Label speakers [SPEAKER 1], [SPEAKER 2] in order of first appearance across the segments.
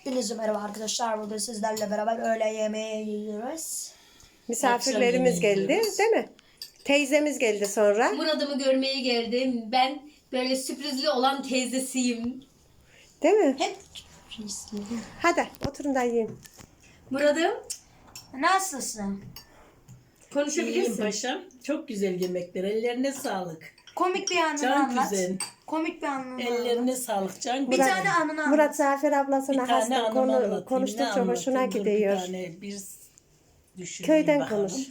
[SPEAKER 1] Hepinize merhaba arkadaşlar. Bugün sizlerle beraber öğle yemeği yiyoruz.
[SPEAKER 2] Misafirlerimiz geldi, değil mi? Teyzemiz geldi sonra.
[SPEAKER 3] Murat'ımı görmeye geldim. Ben böyle sürprizli olan teyzesiyim.
[SPEAKER 2] Değil mi?
[SPEAKER 1] Hep
[SPEAKER 2] Hadi oturun da yiyin.
[SPEAKER 3] Murat'ım
[SPEAKER 1] nasılsın?
[SPEAKER 4] İyiyim
[SPEAKER 3] konuşabilirsin.
[SPEAKER 4] paşam. Çok güzel yemekler. Ellerine sağlık.
[SPEAKER 1] Komik bir anını
[SPEAKER 4] Can
[SPEAKER 1] anlat.
[SPEAKER 4] güzel.
[SPEAKER 1] Komik bir anını anlat.
[SPEAKER 4] Ellerine sağlık can
[SPEAKER 1] Bir
[SPEAKER 4] güzel.
[SPEAKER 1] tane anını anlat.
[SPEAKER 2] Murat Zafer
[SPEAKER 4] Bir
[SPEAKER 2] ablasına
[SPEAKER 4] tane
[SPEAKER 2] hasta
[SPEAKER 4] anımı anlatayım. Ne
[SPEAKER 2] konuştukça hoşuna
[SPEAKER 4] anlatayım? Dur,
[SPEAKER 2] gidiyor.
[SPEAKER 4] Bir tane bir düşüneyim
[SPEAKER 2] Köyden
[SPEAKER 4] bakalım.
[SPEAKER 2] konuş.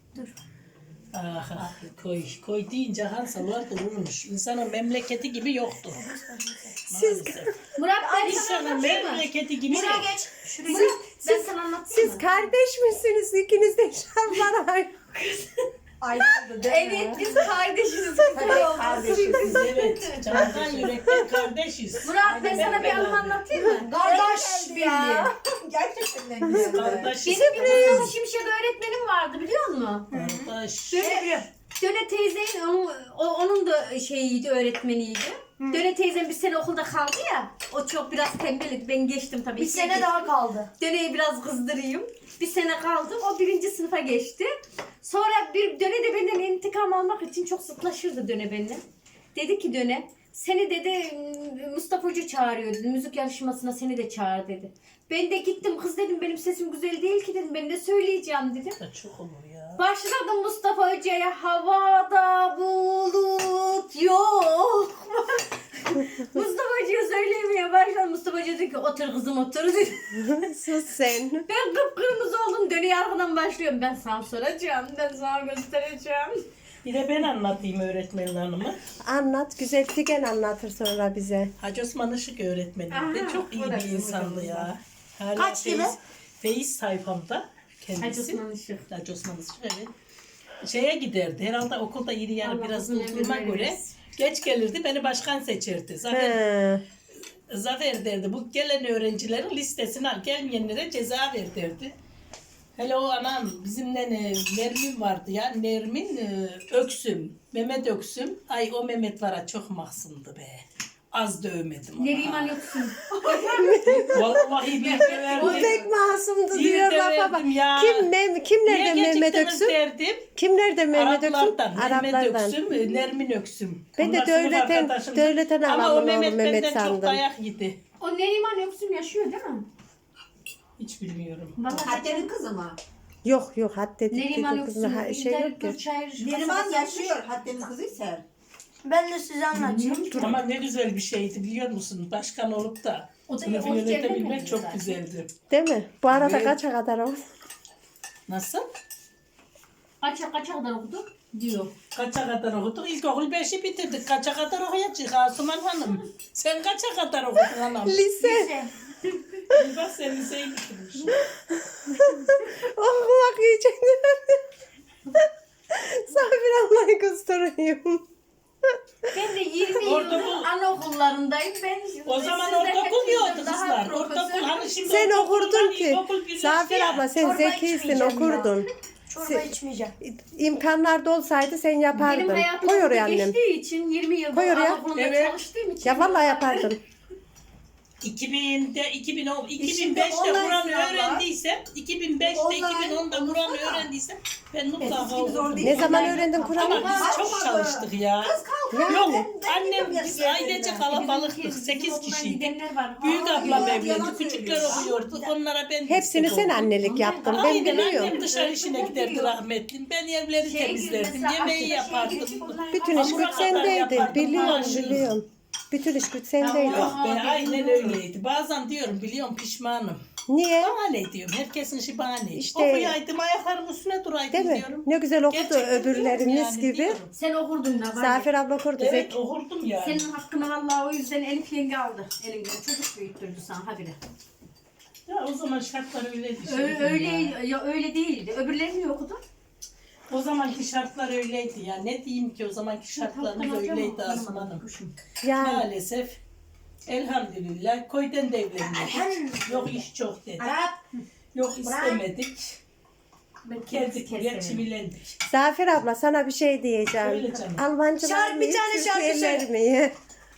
[SPEAKER 4] Ah, koy deyince Hansalar dururmuş. İnsanın memleketi gibi yoktu.
[SPEAKER 2] Siz
[SPEAKER 3] Murat ben sana
[SPEAKER 4] İnsanın
[SPEAKER 3] anlatayım mı?
[SPEAKER 4] memleketi gibi
[SPEAKER 1] Şuraya
[SPEAKER 4] yok.
[SPEAKER 1] geç. Şuraya
[SPEAKER 3] Murat
[SPEAKER 1] geç.
[SPEAKER 3] ben sana anlatayım
[SPEAKER 2] siz
[SPEAKER 3] mı?
[SPEAKER 2] kardeş misiniz? İkiniz de şartlar
[SPEAKER 1] Ayrıldı değil mi?
[SPEAKER 3] Evet biz kardeşiz.
[SPEAKER 4] Biz evet. Candan yürekten kardeşiz.
[SPEAKER 3] Murat ben sana bir anı anlatayım mı?
[SPEAKER 1] Kardeş birliği.
[SPEAKER 4] Biz kardeşiz.
[SPEAKER 3] Benim bir Mustafa Şimşek öğretmenim vardı biliyor musun?
[SPEAKER 4] Kardeş.
[SPEAKER 3] Döne teyzenin onun da şeyiydi, öğretmeniydi. Döne teyzem bir sene okulda kaldı ya. O çok biraz tembeldi. Ben geçtim tabii.
[SPEAKER 1] Bir sene daha kaldı.
[SPEAKER 3] Döneyi biraz kızdırayım. Bir sene kaldım. O 1. sınıfa geçti. Sonra bir Döne de benden intikam almak için çok zıtlaşırdı Döne benimle. Dedi ki Döne, seni dedi Mustafa Hoca çağırıyor dedi. Müzik yarışmasına seni de çağır dedi. Ben de gittim, kız dedim benim sesim güzel değil ki dedim. Ben de söyleyeceğim dedim.
[SPEAKER 4] Çok olur ya.
[SPEAKER 3] Başladım Mustafa Hoca'ya, havada bulut yok. Mustafa Hoca'ya söylemeye başladım. Mustafa Hoca dedi ki otur kızım otur dedi.
[SPEAKER 2] Sus sen.
[SPEAKER 3] Ben kıpkırmızı oldum. Dönüyor arkadan başlıyorum. Ben sana soracağım. Ben sana göstereceğim.
[SPEAKER 4] Bir de ben anlatayım öğretmenin hanımı.
[SPEAKER 2] Anlat. Güzel Figen anlatır sonra bize.
[SPEAKER 4] Hacı Osman Işık öğretmenim de
[SPEAKER 3] Aha,
[SPEAKER 4] çok iyi
[SPEAKER 3] o da
[SPEAKER 4] bir
[SPEAKER 3] bizim
[SPEAKER 4] insandı
[SPEAKER 3] hocamız
[SPEAKER 4] ya. Hala
[SPEAKER 1] Kaç yılı?
[SPEAKER 4] Feyiz sayfamda
[SPEAKER 3] Hacı
[SPEAKER 4] kendisi.
[SPEAKER 3] Osman Işık.
[SPEAKER 4] Hacı Osman Işık evet. Şeye giderdi. Herhalde okulda iri yarı
[SPEAKER 3] Allah
[SPEAKER 4] biraz
[SPEAKER 3] uzun ömür
[SPEAKER 4] olduğuma göre
[SPEAKER 3] versin.
[SPEAKER 4] geç gelirdi. Beni başkan seçerdi.
[SPEAKER 2] He.
[SPEAKER 4] Zafer derdi. Bu gelen öğrencilerin listesini al. Gelmeyenlere ceza ver derdi. Hele o anam bizimle Nermin vardı ya. Nermin Öksüm. Mehmet Öksüm. Ay o Mehmet var ha çok mahzundu be. Az dövmedim onu.
[SPEAKER 3] Neriman yoksun.
[SPEAKER 4] Vallahi bir
[SPEAKER 2] Bu
[SPEAKER 4] döverdim.
[SPEAKER 2] pek masumdu
[SPEAKER 4] Bir
[SPEAKER 2] diyor
[SPEAKER 4] de
[SPEAKER 2] lafa bak.
[SPEAKER 4] verdim ya.
[SPEAKER 2] Kimlerden
[SPEAKER 4] Niye
[SPEAKER 2] Mehmet
[SPEAKER 4] geciktiniz
[SPEAKER 2] Öksüm?
[SPEAKER 4] derdim.
[SPEAKER 2] Kimlerden Mehmet Öksüm?
[SPEAKER 4] Araplardan. Mehmet
[SPEAKER 2] Araplardan.
[SPEAKER 4] Öksüm, Nermin Öksüm.
[SPEAKER 2] Ben de
[SPEAKER 4] Onlar sınıf
[SPEAKER 2] devletten
[SPEAKER 4] arkadaşımdı. Ama o
[SPEAKER 2] alalım oğlum
[SPEAKER 4] Mehmet
[SPEAKER 2] Mehmet
[SPEAKER 4] benden çok
[SPEAKER 2] sandım.
[SPEAKER 4] dayak yedi.
[SPEAKER 3] O Neriman yoksun yaşıyor değil mi?
[SPEAKER 4] Hiç bilmiyorum.
[SPEAKER 3] Vallahi
[SPEAKER 5] Hatta'nın kızı mı?
[SPEAKER 2] Yok hatta
[SPEAKER 3] Neriman
[SPEAKER 2] dedim kızım
[SPEAKER 3] yoksun.
[SPEAKER 2] şey yok ki.
[SPEAKER 5] Neriman yaşıyor. Hatta'nın kızıysa.
[SPEAKER 1] Ben de size anlatayım.
[SPEAKER 4] Ama ne güzel bir şeydi biliyor musun? Başkan olup da
[SPEAKER 3] O da
[SPEAKER 4] sınıfı
[SPEAKER 3] o
[SPEAKER 4] yönetebilmek
[SPEAKER 3] gelmedi
[SPEAKER 4] çok
[SPEAKER 3] zaten.
[SPEAKER 4] güzeldi.
[SPEAKER 2] Değil mi? Bu arada
[SPEAKER 4] Evet.
[SPEAKER 2] kaça kadar o?
[SPEAKER 4] Nasıl?
[SPEAKER 3] Kaça kadar okudu? Diyor.
[SPEAKER 4] Kaça kadar okuduk? İlkokul 5'i bitirdik. Kaça kadar okuyacak Asuman Hanım? Sen kaça kadar okudun hanım?
[SPEAKER 2] Lise.
[SPEAKER 4] Bak sen liseyi bitirmiş.
[SPEAKER 2] Okumak yiyecek. Sabir ablayı kıstırıyorum.
[SPEAKER 3] Ben de 20
[SPEAKER 4] Ortaokul-
[SPEAKER 3] yıldır anaokullarındayım. Ben
[SPEAKER 4] O zaman
[SPEAKER 3] sizden
[SPEAKER 4] ortaokul
[SPEAKER 3] hepinizden
[SPEAKER 4] yoktu
[SPEAKER 3] daha
[SPEAKER 4] kızlar.
[SPEAKER 3] profesör.
[SPEAKER 4] Ortaokul hani şimdi
[SPEAKER 2] Sen
[SPEAKER 4] ortaokul
[SPEAKER 2] okurdun
[SPEAKER 4] var,
[SPEAKER 2] ki.
[SPEAKER 4] ilkokul birleşti
[SPEAKER 2] Zafer
[SPEAKER 4] ya.
[SPEAKER 2] abla sen
[SPEAKER 1] Çorba
[SPEAKER 2] zekisin
[SPEAKER 1] içmeyeceğim
[SPEAKER 2] okurdun.
[SPEAKER 1] Çorba içmeyeceğim.
[SPEAKER 2] İmkanlar da olsaydı sen
[SPEAKER 3] Benim
[SPEAKER 2] yapardın.
[SPEAKER 3] hayatım
[SPEAKER 2] Koy
[SPEAKER 3] okulda
[SPEAKER 2] oraya annem.
[SPEAKER 3] geçtiği için 20 yıldır
[SPEAKER 2] Koy oraya.
[SPEAKER 3] anaokulunda
[SPEAKER 4] Evet.
[SPEAKER 3] çalıştığım için.
[SPEAKER 2] Ya vallahi yapardın.
[SPEAKER 4] 2000'de 2010
[SPEAKER 5] Şimdi
[SPEAKER 4] 2005'te
[SPEAKER 5] online
[SPEAKER 4] Kur'an
[SPEAKER 5] sınavlar.
[SPEAKER 4] öğrendiysem 2005'te
[SPEAKER 5] Online
[SPEAKER 4] 2010'da Kur'an
[SPEAKER 5] olursa da.
[SPEAKER 4] öğrendiysem ben mutlaka
[SPEAKER 5] Eskisi gibi zor
[SPEAKER 4] okurdum.
[SPEAKER 5] değil.
[SPEAKER 2] Ne zaman öğrendin
[SPEAKER 4] Ama
[SPEAKER 2] Kur'an'ı?
[SPEAKER 4] biz çok çalıştık ya.
[SPEAKER 2] Yani.
[SPEAKER 4] Yok annem
[SPEAKER 5] gidiyorum
[SPEAKER 4] biz
[SPEAKER 5] yarı
[SPEAKER 4] ailece
[SPEAKER 5] yerine.
[SPEAKER 4] kalabalıktık
[SPEAKER 3] Bizim
[SPEAKER 4] 8
[SPEAKER 3] okuldan
[SPEAKER 4] kişiydik.
[SPEAKER 3] gidenler var.
[SPEAKER 4] Büyük
[SPEAKER 5] Aa,
[SPEAKER 4] ablam
[SPEAKER 5] yalan
[SPEAKER 4] evlendi. Küçükler
[SPEAKER 5] söylüyor.
[SPEAKER 4] okuyordu. Onlara ben
[SPEAKER 2] Hepsini
[SPEAKER 4] destek
[SPEAKER 2] sen
[SPEAKER 4] oldum.
[SPEAKER 2] annelik yaptın. Ben
[SPEAKER 4] Aynen annem
[SPEAKER 2] biliyorum.
[SPEAKER 4] dışarı işine giderdi rahmetli. Ben evleri temizlerdim. Yemeği yapardım.
[SPEAKER 2] Bütün iş
[SPEAKER 4] Hamura
[SPEAKER 2] güç
[SPEAKER 4] kadar
[SPEAKER 2] sendeydi.
[SPEAKER 4] yapardım,
[SPEAKER 2] Biliyorum
[SPEAKER 4] maaşını.
[SPEAKER 2] biliyorum. Bütün iş güç sendeydi.
[SPEAKER 4] Yok be aynen öyleydi. Bazen diyorum biliyorum pişmanım.
[SPEAKER 2] Niye?
[SPEAKER 4] Bana ne diyorum? Herkesin işi bana ne?
[SPEAKER 2] İşte-
[SPEAKER 4] Okuyaydım ayaklarım üstüne duraydım
[SPEAKER 2] Değil mi?
[SPEAKER 4] diyorum.
[SPEAKER 2] Ne güzel okudu
[SPEAKER 4] Gerçekten diyorum
[SPEAKER 2] öbürlerimiz
[SPEAKER 4] yani,
[SPEAKER 2] gibi.
[SPEAKER 4] diyorum.
[SPEAKER 3] Sen okurdun da var ya.
[SPEAKER 2] Zafer abla okurdu.
[SPEAKER 4] Evet okurdum yani.
[SPEAKER 3] Senin hakkını vallahi o yüzden Elif yenge aldı. Elimden çocuk büyüttürdü sana habire.
[SPEAKER 4] Ya o zaman şartlar öyleydi.
[SPEAKER 3] Öyle,
[SPEAKER 4] ya.
[SPEAKER 3] ya öyle değildi. Öbürlerini mi okudun?
[SPEAKER 4] O zamanki şartlar öyleydi ya. Ne diyeyim ki o zamanki şartlarımız
[SPEAKER 3] Hakkını
[SPEAKER 4] öyleydi
[SPEAKER 3] alacağım ama
[SPEAKER 4] Asuman Hanım.
[SPEAKER 3] anlamadım.
[SPEAKER 2] Yani
[SPEAKER 4] Maalesef elhamdülillah köyden de evlenmedik. Yok iş çok dedi.
[SPEAKER 5] Arap.
[SPEAKER 4] Yok istemedik.
[SPEAKER 3] Ben
[SPEAKER 4] Geldik buraya
[SPEAKER 3] keserim.
[SPEAKER 4] çivilendik.
[SPEAKER 2] Zafer abla sana bir şey diyeceğim.
[SPEAKER 4] Söyle canım.
[SPEAKER 2] Almancılar
[SPEAKER 1] Şarkı,
[SPEAKER 2] mı?
[SPEAKER 1] bir tane şarkı
[SPEAKER 2] Türkiye'ler
[SPEAKER 1] söyle.
[SPEAKER 2] mi?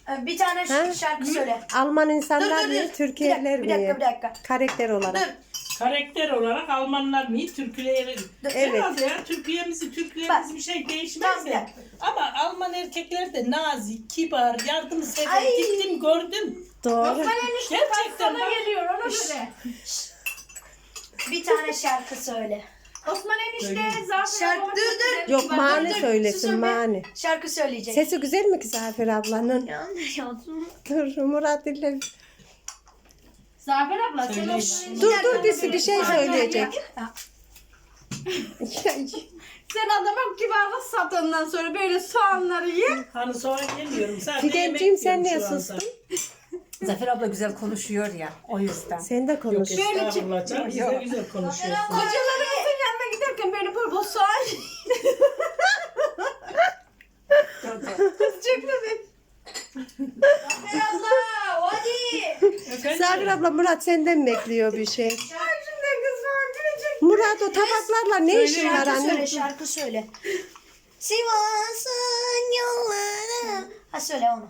[SPEAKER 1] Bir tane
[SPEAKER 2] Ha?
[SPEAKER 1] şarkı söyle.
[SPEAKER 2] Alman insanlar
[SPEAKER 1] Dur,
[SPEAKER 2] mı?
[SPEAKER 1] dur.
[SPEAKER 2] Türkiye'liler
[SPEAKER 1] Bir dakika,
[SPEAKER 2] mi?
[SPEAKER 1] bir dakika.
[SPEAKER 2] Karakter olarak.
[SPEAKER 1] Dur.
[SPEAKER 4] Karakter olarak Almanlar mı? Türkleri.
[SPEAKER 2] Evet.
[SPEAKER 4] Herhalde ya Türklerimiz bir şey değişmez
[SPEAKER 1] Tamam, bir
[SPEAKER 4] de.
[SPEAKER 1] dakika.
[SPEAKER 4] Ama Alman erkekler de nazik, kibar, yardımsever.
[SPEAKER 1] Ay.
[SPEAKER 4] Gittim gördüm.
[SPEAKER 2] Doğru.
[SPEAKER 4] Gerçekten
[SPEAKER 3] Sana
[SPEAKER 4] bak.
[SPEAKER 3] geliyor ona göre.
[SPEAKER 1] Bir tane şarkı söyle.
[SPEAKER 3] Osman enişte
[SPEAKER 4] Söyleyeyim.
[SPEAKER 3] Zafer
[SPEAKER 1] Şarkı-
[SPEAKER 3] abla
[SPEAKER 1] dur,
[SPEAKER 3] çok
[SPEAKER 1] dur.
[SPEAKER 3] güzel
[SPEAKER 2] Yok
[SPEAKER 3] kibar.
[SPEAKER 2] mani
[SPEAKER 1] dur,
[SPEAKER 2] söylesin
[SPEAKER 1] susun be.
[SPEAKER 2] mani.
[SPEAKER 1] Şarkı söyleyecek.
[SPEAKER 2] Sesi güzel mi ki Zafer ablanın?
[SPEAKER 1] Yanlış yazdım.
[SPEAKER 2] Dur Murat ile.
[SPEAKER 3] Zafer abla sen
[SPEAKER 4] Söyleyin.
[SPEAKER 3] Osman
[SPEAKER 2] Dur
[SPEAKER 3] enişte-
[SPEAKER 2] dur bir şey söyleyecek.
[SPEAKER 3] Sen adama kibarlık sat ondan sonra böyle soğanları ye.
[SPEAKER 4] Hani sonra gelmiyorum. Sadece yemek
[SPEAKER 2] Figenciğim sen
[SPEAKER 4] yiyorum
[SPEAKER 2] niye
[SPEAKER 4] şu anda.
[SPEAKER 2] sustun?
[SPEAKER 5] Zafer abla güzel konuşuyor ya o yüzden.
[SPEAKER 2] Sen de konuş.
[SPEAKER 4] Yok estağfurullah canım. Siz de güzel konuşuyorsunuz.
[SPEAKER 3] Kocalarımızın yanına giderken böyle bol bol soğan
[SPEAKER 1] Zafer abla hadi.
[SPEAKER 4] Efendim?
[SPEAKER 2] Zafer abla Murat senden bekliyor bir şey.
[SPEAKER 3] Şimdi kız var gülecek.
[SPEAKER 2] Murat o tabaklarla ne işin var
[SPEAKER 1] Şarkı
[SPEAKER 2] anne?
[SPEAKER 1] söyle, şarkı söyle. Sivas'ın yolları. Ha söyle onu.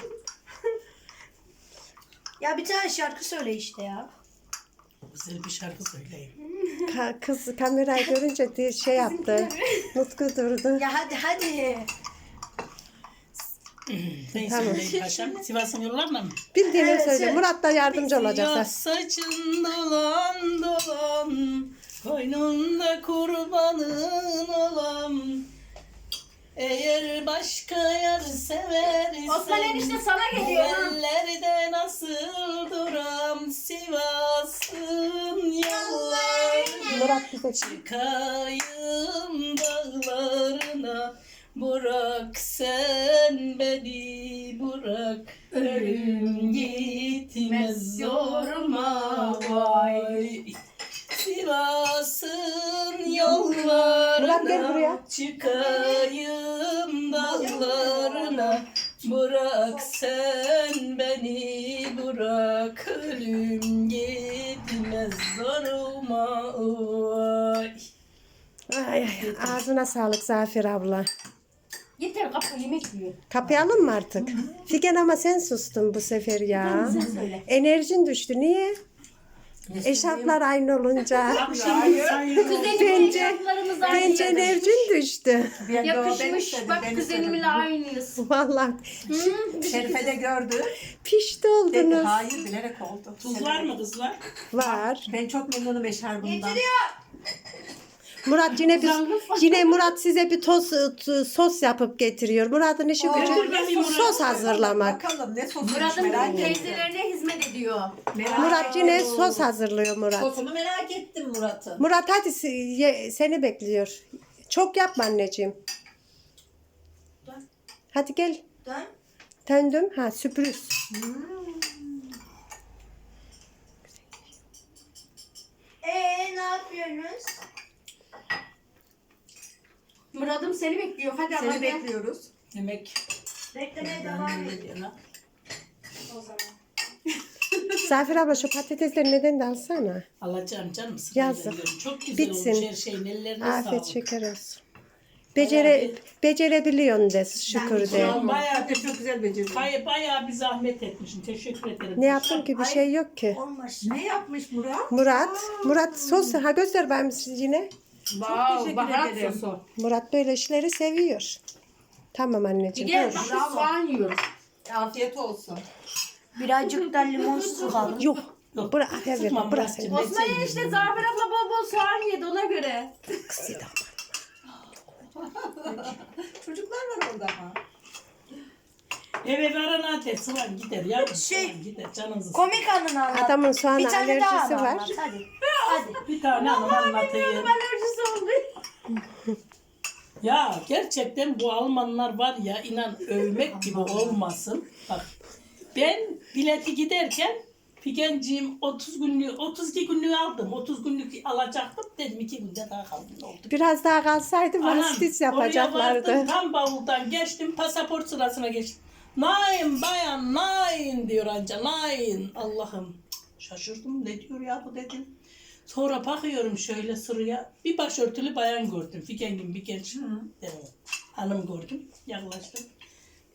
[SPEAKER 1] Ya bir tane şarkı söyle işte ya.
[SPEAKER 4] Güzel bir şarkı söyleyeyim.
[SPEAKER 2] Kız kamerayı görünce diye şey yaptı. Nutku durdu.
[SPEAKER 1] Ya hadi hadi.
[SPEAKER 4] Ne
[SPEAKER 2] Tamam.
[SPEAKER 4] söyleyeyim paşam? Sivas'ın yollarına mı?
[SPEAKER 2] Bildiğini
[SPEAKER 1] Evet,
[SPEAKER 2] söyle.
[SPEAKER 1] söyle.
[SPEAKER 2] Murat da yardımcı olacak.
[SPEAKER 4] Siyah saçın dolan dolan, koynunda kurbanın olam. Eğer başka yer seversen,
[SPEAKER 3] Osman enişte sana geliyor. ha.
[SPEAKER 4] ellerde nasıl duram, Sivas'ın yollarına.
[SPEAKER 2] Murat bize
[SPEAKER 4] Çıkayım dağlarına, bırak sen beni bırak. Ölüm gitmez zoruma vay. Sivas'ın
[SPEAKER 2] Murat gel buraya.
[SPEAKER 4] yollarına, çıkayım dağlarına, bırak sen beni bırak. Ölüm gitmez zoruma vay.
[SPEAKER 2] Ay, ay, ağzına sağlık Zafer abla.
[SPEAKER 3] Yeter kapı yemek yiyor.
[SPEAKER 2] Kapayalım mı artık? Figen ama sen sustun bu sefer ya.
[SPEAKER 3] Söyle.
[SPEAKER 2] Enerjin düştü. Niye? Eşarplar aynı olunca.
[SPEAKER 4] Akşam sayıyorum.
[SPEAKER 3] Kuzenimin
[SPEAKER 2] Bence-
[SPEAKER 3] eşyalarımız
[SPEAKER 2] Bence
[SPEAKER 3] aynı.
[SPEAKER 2] enerjin düştü.
[SPEAKER 3] Yakışmış. Bak kuzeniminle aynıyız.
[SPEAKER 2] Vallahi
[SPEAKER 5] Şerife de gördü.
[SPEAKER 2] pişti
[SPEAKER 5] Dedi
[SPEAKER 2] oldunuz.
[SPEAKER 5] hayır bilerek oldu.
[SPEAKER 4] Tuz var mı kızlar?
[SPEAKER 2] Var.
[SPEAKER 5] Ben çok memnunum eşarbından.
[SPEAKER 2] Murat yine Murat size bir sos yapıp getiriyor. Murat'ın işi gücü sos hazırlamak.
[SPEAKER 5] Bakalım ne sosuymuş
[SPEAKER 3] Murat'ın
[SPEAKER 5] merak ettim.
[SPEAKER 3] teyzelerine hizmet ediyor.
[SPEAKER 2] Murat yine sos hazırlıyor Murat.
[SPEAKER 5] Sosunu merak ettim Murat'ın.
[SPEAKER 2] Murat hadi seni bekliyor. Çok yapma anneciğim. Hadi gel.
[SPEAKER 1] Dön.
[SPEAKER 2] Döndüm. Ha sürpriz.
[SPEAKER 1] Ne yapıyorsunuz?
[SPEAKER 3] Murat'ım seni bekliyor. Hadi ama
[SPEAKER 5] Seni
[SPEAKER 3] gel.
[SPEAKER 5] bekliyoruz.
[SPEAKER 4] Yemek.
[SPEAKER 1] Beklemeye devam et
[SPEAKER 4] Öyle diyor lan.
[SPEAKER 1] o zaman.
[SPEAKER 2] Zafer abla şu patatesleri neden de alsana.
[SPEAKER 4] Alacağım canım. sırayla
[SPEAKER 2] Yazık.
[SPEAKER 4] yiyorum. Çok güzel
[SPEAKER 2] Bitsin.
[SPEAKER 4] olmuş her şeyin. Ellerine
[SPEAKER 2] Afiyet
[SPEAKER 4] sağlık.
[SPEAKER 2] şeker olsun. Becerebiliyorsun de şükür de.
[SPEAKER 4] Tamam, bayağı,
[SPEAKER 5] Çok güzel becerdin.
[SPEAKER 4] bayağı bir zahmet etmişsin. Teşekkür ederim.
[SPEAKER 2] Ne yaptım ki bir şey yok ki.
[SPEAKER 1] Olmaz.
[SPEAKER 5] Ne yapmış Murat?
[SPEAKER 2] Murat sos ha göster ben yine.
[SPEAKER 3] Wow,
[SPEAKER 5] teşekkür
[SPEAKER 3] baharat
[SPEAKER 5] ederim.
[SPEAKER 3] sosu.
[SPEAKER 2] Murat böyle işleri seviyor. Tamam anneciğim.
[SPEAKER 3] Gel
[SPEAKER 2] dur.
[SPEAKER 3] bak soğan yiyoruz.
[SPEAKER 5] Afiyet olsun.
[SPEAKER 1] Birazcık da limon sıkalım.
[SPEAKER 2] Yok.
[SPEAKER 4] Yok.
[SPEAKER 2] Bırak ver
[SPEAKER 4] Sıkmam
[SPEAKER 2] bırak
[SPEAKER 4] Muratcığım,
[SPEAKER 2] seni.
[SPEAKER 4] ben
[SPEAKER 3] Osman
[SPEAKER 4] seviyorum.
[SPEAKER 3] enişte Zafer abla bol bol soğan yedi ona göre.
[SPEAKER 5] Çocuklar var orada ama.
[SPEAKER 4] Eve varan adet sıvan gider. Yavrum
[SPEAKER 1] Şey,
[SPEAKER 4] sıvan gider. Canınızı
[SPEAKER 1] Komik anını anlat.
[SPEAKER 2] Adamın soğan
[SPEAKER 1] bir tane daha
[SPEAKER 2] alerjisi
[SPEAKER 1] anı
[SPEAKER 2] var.
[SPEAKER 1] anlat. Hadi. Hadi.
[SPEAKER 4] bir tane hanım anlatayım.
[SPEAKER 3] Alerjisi oldu.
[SPEAKER 4] Ya gerçekten bu Almanlar var ya inan övmek gibi olmasın. Bak ben bileti giderken Figenciğim 32 günlüğü aldım. 30 günlük alacaktım. Dedim 2 günde daha kaldım. Ne oldu?
[SPEAKER 2] Biraz daha kalsaydı
[SPEAKER 4] Anam,
[SPEAKER 2] vasıtis
[SPEAKER 4] oraya vardım,
[SPEAKER 2] yapacaklardı.
[SPEAKER 4] tam bavuldan geçtim. Pasaport sırasına geçtim. Nein bayan nein diyor anca. Nein. Allah'ım. Şaşırdım. Ne diyor ya bu dedim. Sonra bakıyorum şöyle sıraya. Bir başörtülü bayan gördüm. Fikengin bir genç hanım gördüm. Yaklaştım.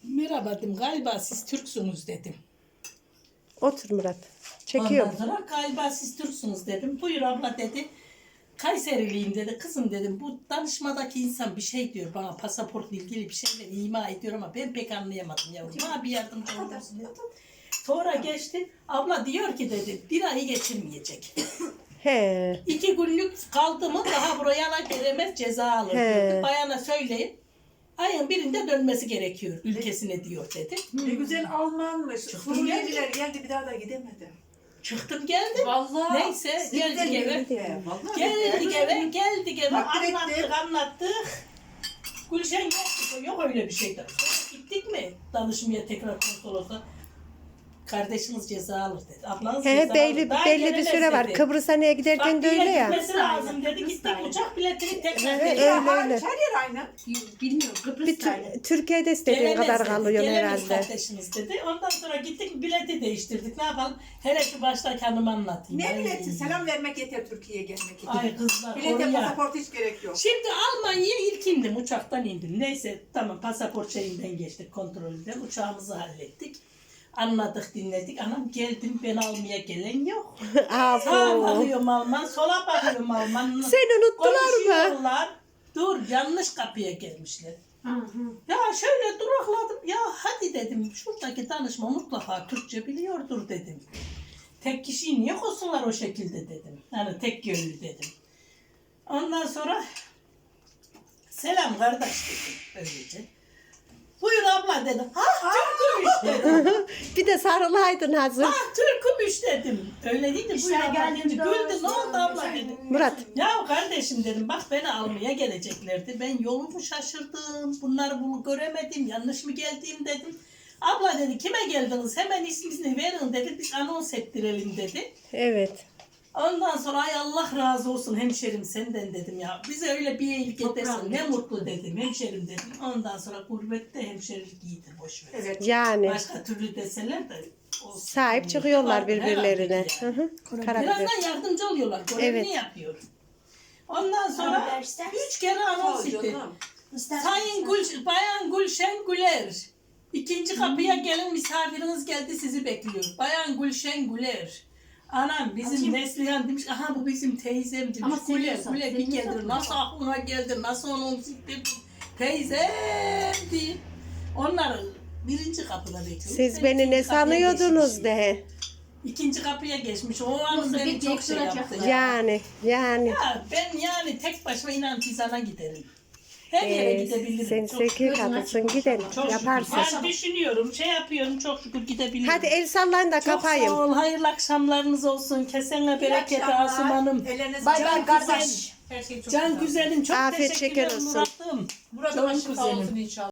[SPEAKER 4] Merhaba dedim, galiba siz Türksünüz dedim.
[SPEAKER 2] Otur Murat. Çekiyorum.
[SPEAKER 4] Ondan sonra galiba siz Türksünüz dedim. Buyur abla dedi. Kayseriliyim dedi. Kızım dedim, bu danışmadaki insan bir şey diyor bana, pasaportla ilgili bir şeyler ima ediyor ama ben pek anlayamadım yavrum. Bana bir yardımcı olursun dedim. Sonra geçti. Abla diyor ki dedi, bir ayı geçirmeyecek.
[SPEAKER 2] He.
[SPEAKER 4] 2 günlük kaldı mı daha buraya gelemez, ceza alır dedi. Bayana söyleyin. Ayın birinde dönmesi gerekiyor ülkesine diyor dedi.
[SPEAKER 6] Ne güzel Almanmış. Suriyeliler geldi bir daha da gidemedi.
[SPEAKER 4] Çıktım geldim.
[SPEAKER 6] Vallahi.
[SPEAKER 4] Neyse geldik eve.
[SPEAKER 6] Vallahi.
[SPEAKER 4] Geldik eve
[SPEAKER 6] Takdir
[SPEAKER 4] anlattık. Gülşen yok öyle bir şey. Sonra gittik mi danışmaya tekrar konsolosa. Kardeşiniz ceza alır dedi. Ablanız
[SPEAKER 2] He,
[SPEAKER 4] ceza
[SPEAKER 2] belli
[SPEAKER 4] alır. Daha
[SPEAKER 2] belli bir
[SPEAKER 4] gelemez
[SPEAKER 2] süre var.
[SPEAKER 4] dedi.
[SPEAKER 2] Kıbrıs'a neye giderken de öyle
[SPEAKER 4] Bak,
[SPEAKER 2] ya.
[SPEAKER 4] gitmesi lazım dedi. Gittik uçak biletini tekrar
[SPEAKER 2] Evet,
[SPEAKER 4] dedi.
[SPEAKER 2] öyle.
[SPEAKER 6] Her yer aynı.
[SPEAKER 3] Bilmiyorum
[SPEAKER 2] Bir
[SPEAKER 3] Kıbrıs'taydı.
[SPEAKER 2] Türkiye'de istediğin
[SPEAKER 4] Gelemez
[SPEAKER 2] kadar
[SPEAKER 4] dedi,
[SPEAKER 2] kalıyorsun
[SPEAKER 4] gelemez
[SPEAKER 2] herhalde.
[SPEAKER 4] kardeşiniz dedi. Ondan sonra gittik bileti değiştirdik. Ne yapalım? Hele şu baştaki hanıma anlatayım.
[SPEAKER 6] Ne
[SPEAKER 4] Ay.
[SPEAKER 6] bileti? Selam vermek yeter Türkiye'ye gelmek için.
[SPEAKER 4] Ay kızlar
[SPEAKER 6] Bilete
[SPEAKER 4] oraya.
[SPEAKER 6] pasaport hiç gerek yok.
[SPEAKER 4] Şimdi Almanya'ya ilk indim. Uçaktan indim. Neyse tamam, pasaport şeyinden geçtik, kontrolden. Uçağımızı hallettik. Anladık, dinledik. Anam geldim, ben almaya gelen yok. Sağa
[SPEAKER 2] Aferin.
[SPEAKER 4] bakıyorum Alman, sola bakıyorum Alman.
[SPEAKER 2] Seni unuttular mı?
[SPEAKER 4] Konuşuyorlar. Dur, yanlış kapıya gelmişler. Ya şöyle durakladım. Ya hadi dedim, şuradaki danışma mutlaka Türkçe biliyordur dedim. Tek kişiyi niye koysunlar o şekilde dedim. Yani tek yönlü dedim. Ondan sonra selam kardeş dedim böylece. Buyur abla dedim. Ha Türk'ümüş dedim.
[SPEAKER 2] Bir de sarılaydın hazır.
[SPEAKER 4] Ha Türk'ümüş dedim. Öyle değil de buyur
[SPEAKER 1] İşler
[SPEAKER 4] abla
[SPEAKER 1] geldiğinde
[SPEAKER 4] dedi. Güldü, ne oldu abla dedim.
[SPEAKER 2] Murat.
[SPEAKER 4] Ya kardeşim dedim, bak beni almaya geleceklerdi. Ben yolumu şaşırdım. Bunları bunu göremedim. Yanlış mı geldiğim dedim. Abla dedi, kime geldiniz? Hemen ismini verin dedi. Biz anons ettirelim dedi.
[SPEAKER 2] Evet.
[SPEAKER 4] Ondan sonra ay Allah razı olsun hemşerim senden dedim ya. Bize öyle bir iyilik edersin. Ne mutlu dedim hemşerim dedim. Ondan sonra gurbette hemşerilik iyidir, boş ver.
[SPEAKER 6] Evet.
[SPEAKER 2] Yani
[SPEAKER 4] Başka türlü deseler de olsun.
[SPEAKER 2] sahip çıkıyorlar
[SPEAKER 4] Vardır
[SPEAKER 2] birbirlerine.
[SPEAKER 4] herhalde
[SPEAKER 2] Hı
[SPEAKER 4] yani.
[SPEAKER 2] hı. Karakter.
[SPEAKER 4] Birazdan yardımcı oluyorlar. Görevini
[SPEAKER 2] Evet.
[SPEAKER 4] yapıyor. Ondan sonra
[SPEAKER 1] Haber ister misin?
[SPEAKER 4] 3 kere anons etti. Sayın Bayan Gülşen Güler. 2. kapıya gelin, misafiriniz geldi, sizi bekliyor. Bayan Gülşen Güler. Anam bizim Neslihan demiş, aha bu bizim teyzem demiş.
[SPEAKER 3] Ama
[SPEAKER 4] Güler
[SPEAKER 3] seviyorsan,
[SPEAKER 4] Güler bir
[SPEAKER 3] seviyorsan
[SPEAKER 4] gelir. Nasıl aklına geldi, nasıl onun teyzem diye. Onlar 1. kapıda bekliyor.
[SPEAKER 2] Siz
[SPEAKER 4] Ben
[SPEAKER 2] beni
[SPEAKER 4] 2.
[SPEAKER 2] ne
[SPEAKER 4] kapıya
[SPEAKER 2] sanıyordunuz
[SPEAKER 4] geçmişim.
[SPEAKER 2] de.
[SPEAKER 4] 2. kapıya geçmiş. O an
[SPEAKER 3] Yoksa
[SPEAKER 4] beni
[SPEAKER 3] bir
[SPEAKER 4] çok şey
[SPEAKER 3] bekliyor
[SPEAKER 4] yaptı.
[SPEAKER 3] ya.
[SPEAKER 2] Yani.
[SPEAKER 4] Ya ben yani tek başıma inan Tizan'a giderim. Her yere gidebilirim.
[SPEAKER 2] Sen
[SPEAKER 4] Çok
[SPEAKER 2] zeki
[SPEAKER 4] şükür.
[SPEAKER 2] kadınsın gidelim.
[SPEAKER 4] Çok
[SPEAKER 2] Yaparsın.
[SPEAKER 4] şükür. Ben düşünüyorum, şey yapıyorum, çok şükür gidebilirim.
[SPEAKER 2] Hadi el sallayın da
[SPEAKER 4] çok
[SPEAKER 2] kapayım.
[SPEAKER 4] sağ ol, hayırlı akşamlarınız olsun. Kesene bereket
[SPEAKER 6] akşamlar.
[SPEAKER 4] Asım Hanım.
[SPEAKER 6] Ellerinize
[SPEAKER 1] Bay
[SPEAKER 6] can
[SPEAKER 1] bay
[SPEAKER 6] güzel.
[SPEAKER 1] kardeş.
[SPEAKER 6] Her şey çok
[SPEAKER 4] Can
[SPEAKER 6] güzel.
[SPEAKER 4] güzelim, çok
[SPEAKER 2] Afiyet
[SPEAKER 4] teşekkürler
[SPEAKER 2] şeker olsun.
[SPEAKER 4] Murat'ım.
[SPEAKER 6] Burada
[SPEAKER 4] Çok
[SPEAKER 6] şifa
[SPEAKER 4] güzelim.
[SPEAKER 6] olsun inşallah.